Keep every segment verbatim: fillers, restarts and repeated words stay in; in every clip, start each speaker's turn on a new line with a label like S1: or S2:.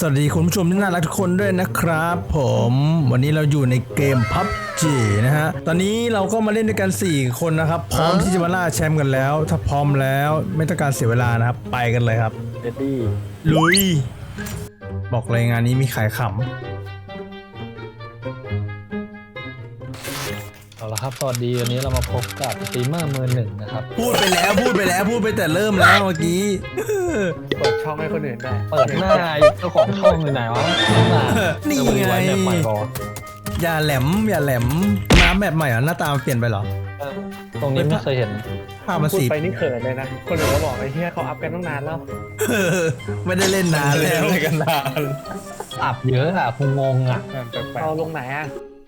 S1: สวัสดีคุณผู้ชมที่น่ารักทุกคนด้วยนะครับผมวันนี้เราอยู่ในเกม พับจี นะฮะตอนนี้เราก็มาเล่นด้วยกันสี่คนนะครับพร้อมที่จะมาล่าแชมป์กันแล้วถ้าพร้อมแล้วไม่ต้องการเสียเวลานะครับไปกันเลยครับเดดดี้ลุยบอกเลยงานนี้มีขายขำ
S2: เอาละครับสวัสดีวันนี้เรามาพบกับสตรีมเมอร์มือหนึ่งนะครับ
S1: พูดไปแล้วพูดไปแล้วพูดไปแต่เริ่มแล้วเมื่อกี้
S3: เปิดช่องให้คนอื่นได้
S2: เปิดหน้าเจ้าของช่องอยู่ไหนวะ
S1: นี่ไงอย่าแหลมอย่าแหลมน้ำแบบใหม่เหรอหน้าตามันเปลี่ยนไปเหรอ
S2: ตรงนี้ไม่เคยเห็น
S1: ภาพมันสี
S3: ไปนี่เขินเลยนะคนอื่นเขาบอกไอ้เหี้ยเขาอัพกันตั้งนานแล้ว
S1: ไม่ได้เล่นนานแล้ว
S3: เล่นกันนาน
S2: อัพเยอะอ่ะคงงงอ่ะ
S3: เอาลงไหนอ่ะ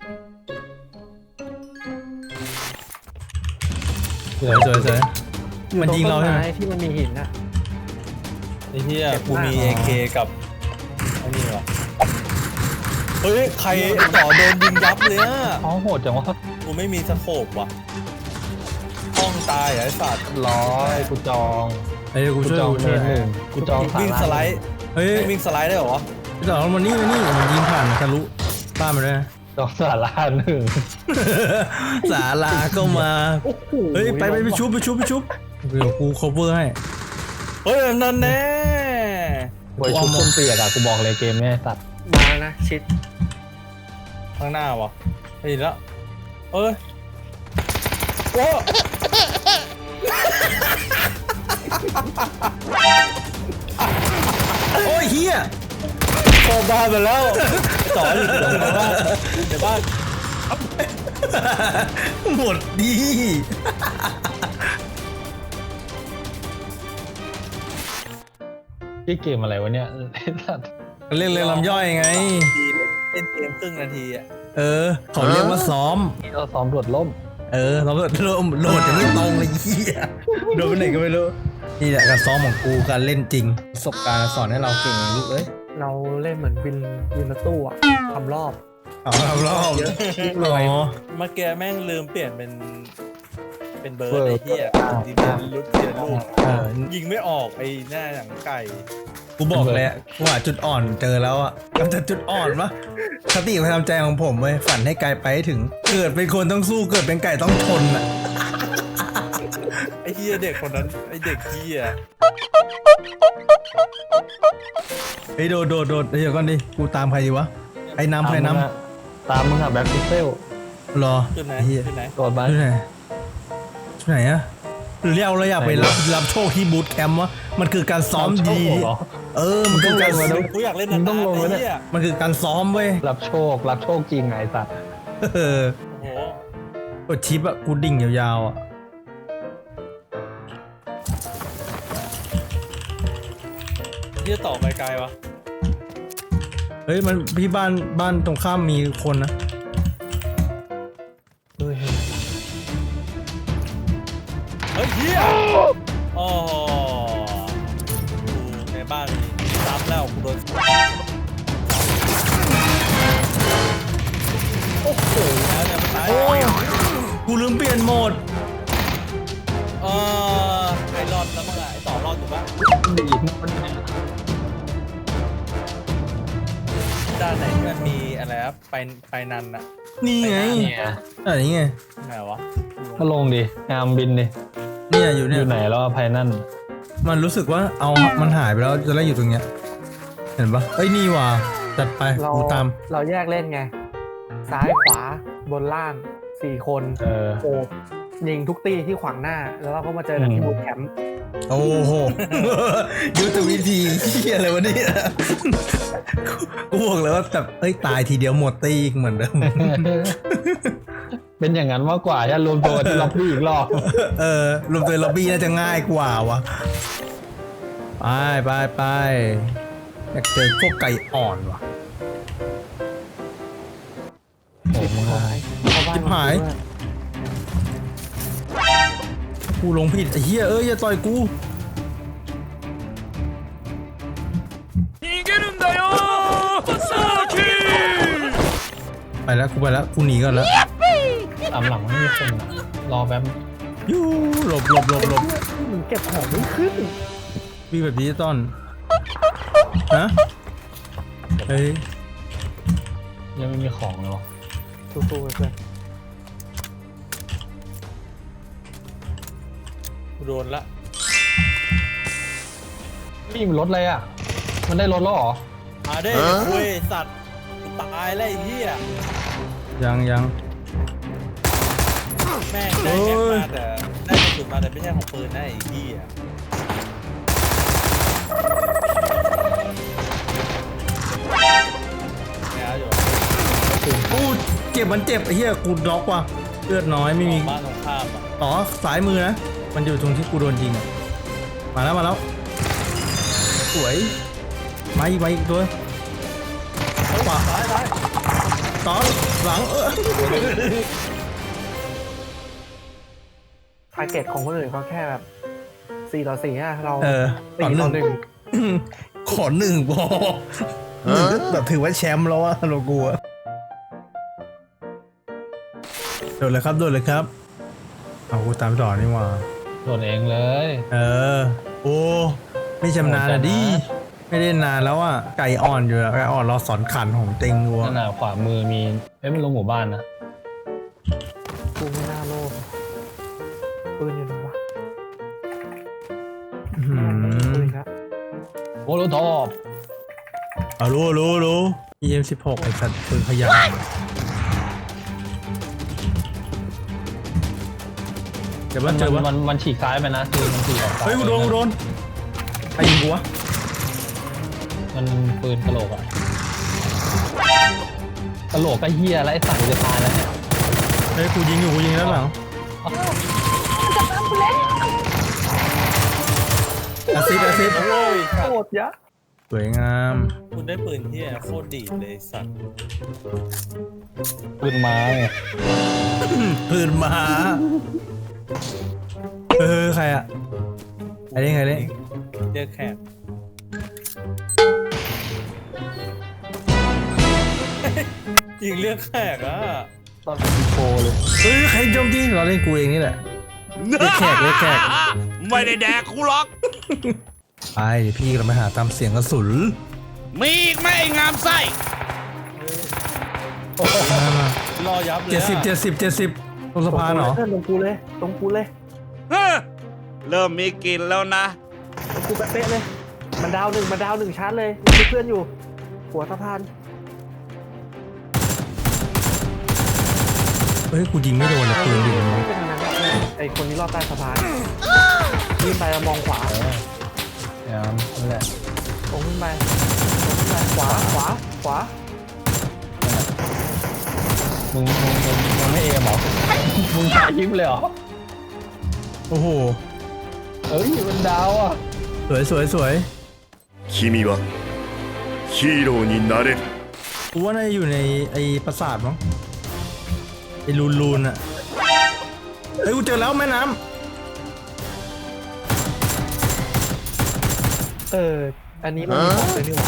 S1: สวยสวยสวยมันยิงเราใช่ไหม
S3: ที่มันมีหินน่ะ
S4: ไอ้เหี้ยกูมี เอ เค กับไอ้นี่วะเฮ้ยใครต่อโดนยิงยับเลยอ่ะ
S2: อ๋อโหดจังวะ
S4: กูไม่มีสโคปว่ะห้องตายไอ้สัตว์
S2: ร้อยกูจอง
S1: ไอ้กู
S2: จองเทนหนึ่งกูจอง
S4: วิ่งสไลด์เฮ้ยวิ่งสไลด์ได้เหรอ
S1: พี่ต่อมันนี่มันนี่มันยิงผ่านทะลุบ้านมาด้วย
S2: จองศาลาหนึ่ง
S1: ศาลาก็มาเฮ้ยไปไปไปชุบไปชุบไปชุบเดี๋ยวกู cover ให้
S4: เฮ้ยนั่นแน่
S2: บอยชุบคนเปียกอะกูบอกเลยเกมนี้ตัด
S3: มานะชิด
S4: ข้างหน้าวะไปแล้วเอ้ยโอ้
S1: โอ้ยเฮีย
S4: โซบ้าไปแล้วต่ออยู่ตรงบ้านเดี๋ยวบ้าน
S1: หมดดี
S2: ที่เกมอะไรวะเนี่ย
S1: เล่นเล่นลำย่อยไง
S4: เล่นเกมครึ่งนาทีอ่ะ
S1: เออเขาเรียกว่าซ้อม
S2: เราซ้อมโดดล่ม
S1: เออซ้อมโดดล่มโหลดจะไม่ตรงเลยเหี้ยโดนไปไหนก็ไม่รู้นี่แหละการซ้อมของกูการเล่นจริงประสบการณ์สอนให้เราเก่งลูกเอ้ย
S3: เราเล่นเหมือนวินวินรถตู้อะทำรอบ
S1: เอาทำรอบเยอะ
S4: เลยเมื่อกี้แม่งลืมเปลี่ยนเป็นเป็นเบอร์ไอ้เหี้ยยิงลุดเสียลูกยิงไม่ออกไอ้หน้าหนังไก่
S1: กูบอกเลยกูหาจุดอ่อนเจอแล้วอ่ะกำจัดจุดอ่อนปะสติประจำใจของผมเว้ยฝันให้ไกลไปถึงเกิดเป็นคนต้องสู้เกิดเป็นไก่ต้องทนอ่ะ
S4: ไอ้เหี้ยเด็กคนนั้นไอ้เด็กเหี้ย
S1: ไอ้โดดโดดโดดเดี๋ยวก่อนดิกูตามใครดีวะไอ้น้ำใครน้
S2: ำตามมึงอะแบ็คพิกเซล
S1: รอ
S4: จุดไหนจุดไหน
S2: โดดมา
S1: จุดไหนจุดไหนอะหรือเราเราอยากไปรับรับโชคที่บูธแคมป์วะมันคือการซ้อมดีเออมันคือการ
S4: กูอยากเล่นต้องลงเลยเนี่ย
S1: มันคือการซ้อมเว้ย
S2: รับโชครับโชคจริงไงสัตว์
S1: เออโอ้โหกดชิปอะกูดิ่งยาวๆอะ
S4: เยี่ยต่อไปไกลวะ
S1: เฮ้ยมันพี่บ้านบ้านตรงข้ามมีคนนะ
S4: เฮ้ยเฮียโอ้ในบ้านซับแล้วกูโดนโอ้โหแล้วเนี่ยมันตาย
S1: กูลืมเปลี่ยนโหมด
S4: เออไอ้รอดแล้วมั้งอะไอ้ต่อรอดถูกปะด้านไหนที่มันมีอะไรครับไปไปนันอะ
S1: นี่ไงอะไรไง
S4: ไหนวะ
S2: ก็ลงดิงามบินดิ
S1: เนี่ยอยู่เนี่ย
S2: อยู่ไหนแล้วไพนั่น
S1: มันรู้สึกว่าเอามันหายไปแล้วจะได้อยู่ตรงเนี้ยเห็นปะเอ้ยนี่ว่ะจัดไปกูตาม
S3: เราแยกเล่นไงซ้ายขวาบนล่างสี่คน
S2: เออ
S3: โอบยิงทุกตีที่ขวางหน้าแล้วเราก็มาเจอกันที่บูธแคมป์
S1: โอ้โหยุทธวิธีที่อะไรวะเนี่ยกูบอกเลยว่าแบบเอ้ยตายทีเดียวหมดตีเหมือนเดิม
S2: เป็นอย่างนั้นมากกว่าจะรวมตัวที่ล็อบบี้อีกรอบ
S1: เออรวมตัวล็อบบี้น่าจะง่ายกว่าวะไปไปไปอยากเจอพวกไก่อ่อนว่ะ
S2: โอ้โห
S1: จิบหายกูลงผิดไอ้เหี้ยเอ้ยอย่าต่อยกูไปแล้วกูไปแล้วกูหนีก่อนแล้ว
S2: ตามหลังไม่มีคนรอแป๊บ
S1: ยูหลบหลบหลบหลบ
S3: มึงเก็บของไม่ขึ้น
S1: วิ่งแบบดิจิตอลฮะเฮ้ย
S2: ยังไม่มีของเลยวะ
S3: สู้ๆไปเพื่อน
S4: กูโดนละ
S2: พี่มันรถอะไรอ่ะ มันได้รถแล้วเหรอ
S4: มาได้คุยสัตว์กูตายแล้วไอ้เหี้ย
S1: ยังยัง
S4: แม่งได้แม็กมาแต่ได้กระสุนมาแต่ไม่ใช่ของปืนนะไอ้เหี้ยเนี่ยอยู่
S1: กูเจ็บมันเจ็บไอ้เหี้ยกูน็อกว่ะเลือดน้อยไม่มี
S4: บ้านตรงข้ามอ่ะ
S1: อ๋อสายมือนะมันอยู่ตรงที่กูโดนยิงอะมาแล้วมาแล้วสวยมาอีกมาอีกตัวขวา
S4: ซ้ายซ้าย
S1: ต่อหลังเออ
S3: ทาร์เก็ตของคนอื่นเขาแค่แบบสี่ต่อสี่อะเรา
S1: เออต่อ
S3: สี่
S1: ห
S3: ต่
S1: นึ่
S3: อง หนึ่ง
S1: ขอหนึ่งพอหนึ่งก็แบบถือว่าแชมป์แล้วอะโลกูอะโดดเลยครับโดดเลยครับเอากูตามต่อนี่หว่า
S2: โดนเองเลย
S1: เออโอ้ไม่ชำนาญอะดิไม่ได้นานแล้วอะไก่อ่อนอยู่อะไก่อ่อนเราสอนขันของเต็งวัว
S2: นั่นน่ะขวามือมีเอ้ยมันลงหมู่บ้านนะ
S3: กูไม่น่าโลภปืนอยู่ไหนวะ
S1: อื้อหื
S3: ปื
S1: อน
S3: ครับ
S2: โอ้โหทอบ
S1: เอารู้รู้รู้ อี เอ็ม สิบหกไอ้สัตว์ปืนขยะเดี๋ยว
S2: มั
S1: ว่าน เจอ
S2: มั
S1: วะ
S2: นมันมันฉีกซ้ายไปนะคือมันฉีกออกซ้าย
S1: เฮ้ยกูโดนกูโดนใครยิงกูวะ
S2: มันปืนกระโหลกอะกระโหลกก็เฮียแล้วไอ้สัตว์จะตายแล้วเนี่ย
S1: เฮ้ยกูยิงอยู่กูยิงด้านหลังอาซิดอาซิด
S4: โอ้ยสัต
S3: โค
S4: ว์
S3: ตรยะ
S1: สวยงาม
S4: คุณได้ปืนเหี้ยโคตรดีดเลยสัตว์
S2: ปืนไม้ไง
S1: ปืนมาเออใครอะใครเล่นใครเล่น
S4: เจอแขกยิงเลือกแขกอ่ะ
S2: ตอนเป็นโฟเลย
S1: เฮ้ยใครโจมตีเราเล่นกูเองนี่แหละเล็กแขกเล็กแขก
S5: ไม่ได้แดกกูหรอก
S1: ไปเดี๋ยวพี่เราไปหาตามเสียงกระสุน
S5: มีอีกไหมไอ้งามไส้
S1: มามาร
S4: อยับเลย
S1: เจ็ดสิบเจ็ดสิบเจ็ดสิบตรงสะพานเหรอ
S3: เพื่อนตรงกูเลยตรงกูเลย
S5: เฮ้อเริ่มมีกลิ่นแล้วนะ
S3: ตรงกูเป๊ะๆเลย มันดาวหนึ่งมันดาวหนึ่งชาร์จเลยมีเพื่อนอยู่ หัวสะพาน
S1: เฮ้ยกูยิงไม่โดนเลยปืนดิ
S3: ไม่เป็นทางนั้นครับไอคนนี้รอดใต้สะพานยิงไปแล้วมองขวา
S2: เนี่ยนั่นแหละ
S3: ตรงขึ้นไปตรงขึ้นไปขวาขวาขวา
S2: มึงมึงมึงมึงไม่เอมเหรอ มึงตายยิ้มเลยเหรอ
S1: โอ้โห
S2: เอ้ยมันดาวอ่ะ
S1: สวยสวยสวย
S5: 君はヒーローになれる
S1: กูว่าน่าจะอยู่ในไอ้ปราสาทมั้งไอ้ลูนลูนอะเฮ้ยกูเจอแล้วแม่น้
S3: เออ อันนี้มันมีของเลยนี่หว่า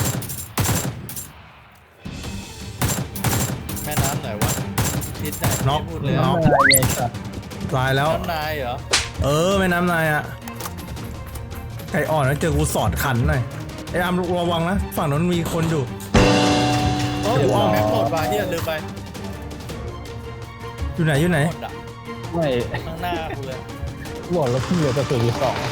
S4: แม่น้ำไหนวะทิศไหน
S1: ำน็อก
S4: พูดเลย
S1: น็อก
S2: อะไรไงสัตว์
S1: ตายแล้ว
S4: น้ำนายเหรอ
S1: เออแม่น้ำนายอะไก่อ่อนแล้วเจอกูสอดขันหน่อยไอ้อามระวังนะฝั่งนั้นมีคนอยู่
S4: โอ้ยอ้อมแม็กหมดไปเฮียลืมไป
S1: อยู่ไหนอยู่ไหน
S4: หมดอ่ะ
S2: ไม่
S4: ข้างหน้ากูเลย
S2: บอกแล้วพี่เหลือกระสุนอยู่สอง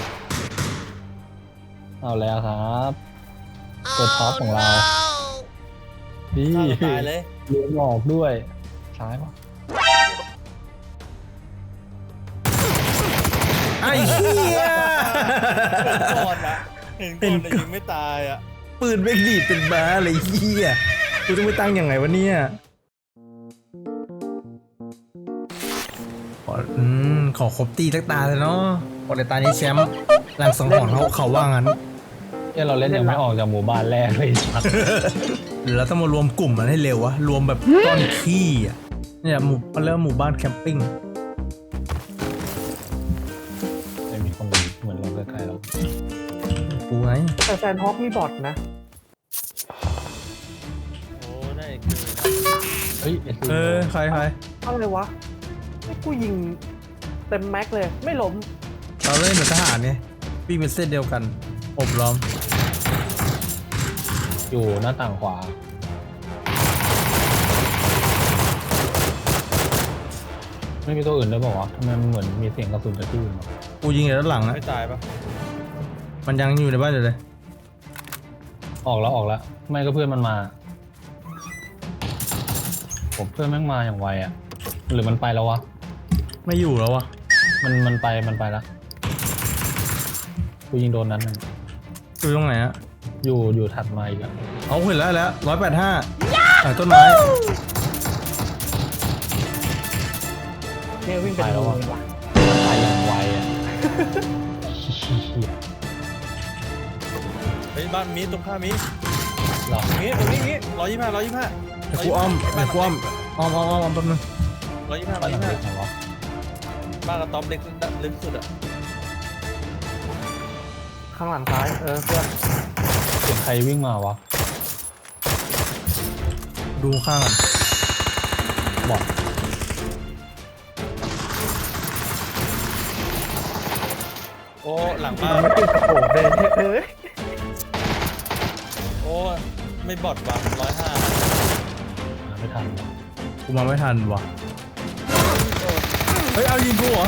S2: เอาแล้วครับตัวท็อปของเราดี
S4: ฆ่าตัวตายเลย
S2: เลี้ยงออกด้วยซ้ายปะ
S1: ไอ้เหี้ย
S4: ก่อนนะเห็นก่อนแต่ยิงไม่ตายอ่ะ
S1: ปืนเบกดีดเป็นบ้าเลยเหี้ยกูต้องไปตั้งยังไงวะเนี่ยขออืมขอครบตีสักตาเลยเนาะขอในตานี้แชมป์หลังสังหรณ์เขาเขาว่างั้น
S2: เนี่ยเราเล่นยังไม่ออกจากหมู่บ้านแรกเลยสัตว์
S1: หรือเราต้องมารวมกลุ่มมันให้เร็ววะรวมแบบก้อนขี้อ่ะเนี่ยหมู่มันเริ่มหมู่บ้านแคมปิ้ง
S2: จะมีคนเหมือนเราใกล้ๆเรา
S1: กูไง
S3: แต่แซนฮอคมีบอทนะ
S4: โอ้ได้คือ
S2: เฮ้ยไอ้ซี
S1: เออใครใคร
S3: อะไรวะไอ้กูยิงเต็มแม็กเลย ไม่ล้ม
S1: เราเล่นเหมือนทหารไงวิ่งเป็นเส้นเดียวกันอบล้อม
S2: อยู่หน้าต่างขวาไม่มีตัวอื่นด้วยเปล่าวะทำไมมันเหมือนมีเสียงกระสุนจากที่อื่นวะ
S1: กูยิงอยู่ด้านหลังนะ
S4: ไม่ตายปะ
S1: มันยังอยู่ในบ้านอยู่เลย
S2: ออกแล้วออกแล้วไม่ก็เพื่อนมันมา ผมเพื่อนแม่งมาอย่างไวอ่ะหรือมันไปแล้ววะ
S1: ไม่อยู่แล้ววะ
S2: มันมันไปมันไปแล้วกูยิงโดนนั้นหนึ่ง
S1: อยู่ตรงไหนอะ
S2: อยู่อยู่ถัดมาอีกอ่ะ
S1: เอาเห็นแล้วแล้วร้อยแปดห้าต้นไม้
S3: เนี่ยวิ่งเป็นรูเลยว่ะ
S2: มันไปอย่างไวอ่ะ
S4: เฮ้ยบ้านมีตรงข้ามมี
S2: หรอ
S4: มีตรงนี้มีร้อยยี่ห้าร้อยยี่ห้า
S1: เดี๋ยวกูอ้อมเดี๋ยวกูอ้อมอ้อมอ้อมอ้อมอ้อมแป๊บนึง
S4: ร้อยยี่ห้า
S2: ไป
S4: ร้อย
S2: หลั
S4: ยี่
S2: ง
S4: ห้า
S2: เล็กไหนวะ
S4: บ้านกระต๊อบเล็กลึกสุดอะ
S3: ข้างหลังซ้ายเออเพื่อน
S2: เสียงใครวิ่งมาวะ
S1: ดูข้างกัน
S2: บอก
S4: โอ้หลังบ้าน
S3: ไม่ติดโอ้เดินเอ้ย
S4: โอ้ไม่บอดวางร้อยห้า
S2: หาไม่ทันวะ
S1: กูมาไม่ทันวะเฮ้ยเอายิงกูเหรอ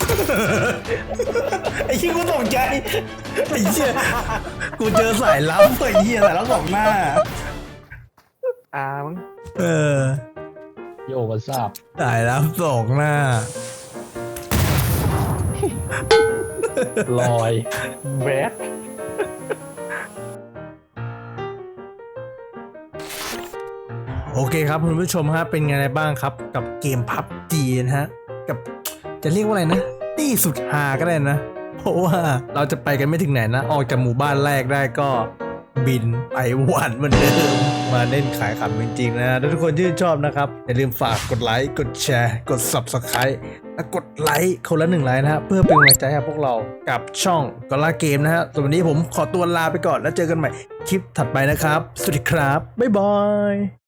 S1: ไอ้ชี้ยกูตกใจไอ้เชี่ยกูเจอสายลับไอ้เหี้ยสายลับสองหน้า
S3: อ่ามั้ง
S1: เออ
S2: โยกทราบ
S1: สายลับสองหน้า
S2: ลอย
S3: แบด
S1: โอเคครับคุณผู้ชมฮะเป็นไงบ้างครับกับเกม พับจี นะฮะกับจะเรียกว่าอะไรนะตี้สุดฮาก็ได้นะ เพราะว่าเราจะไปกันไม่ถึงไหนนะ ออกจากหมู่บ้านแรกได้ก็บินไปหวันเหมือนเดิมมาเล่นขายขำจริงๆนะถ้าทุกคนชื่นชอบนะครับ อย่าลืมฝากกดไลค์กดแชร์กด ซับสไครบ์ และกดไลค์คนละหนึ่งไลค์นะฮะเพื่อเป็นกำลังใจให้พวกเรากับช่องกอล่าเกมนะฮะส่วนวันนี้ผมขอตัวลาไปก่อนแล้วเจอกันใหม่คลิปถัดไปนะครับสวัสดีครับบ๊ายบาย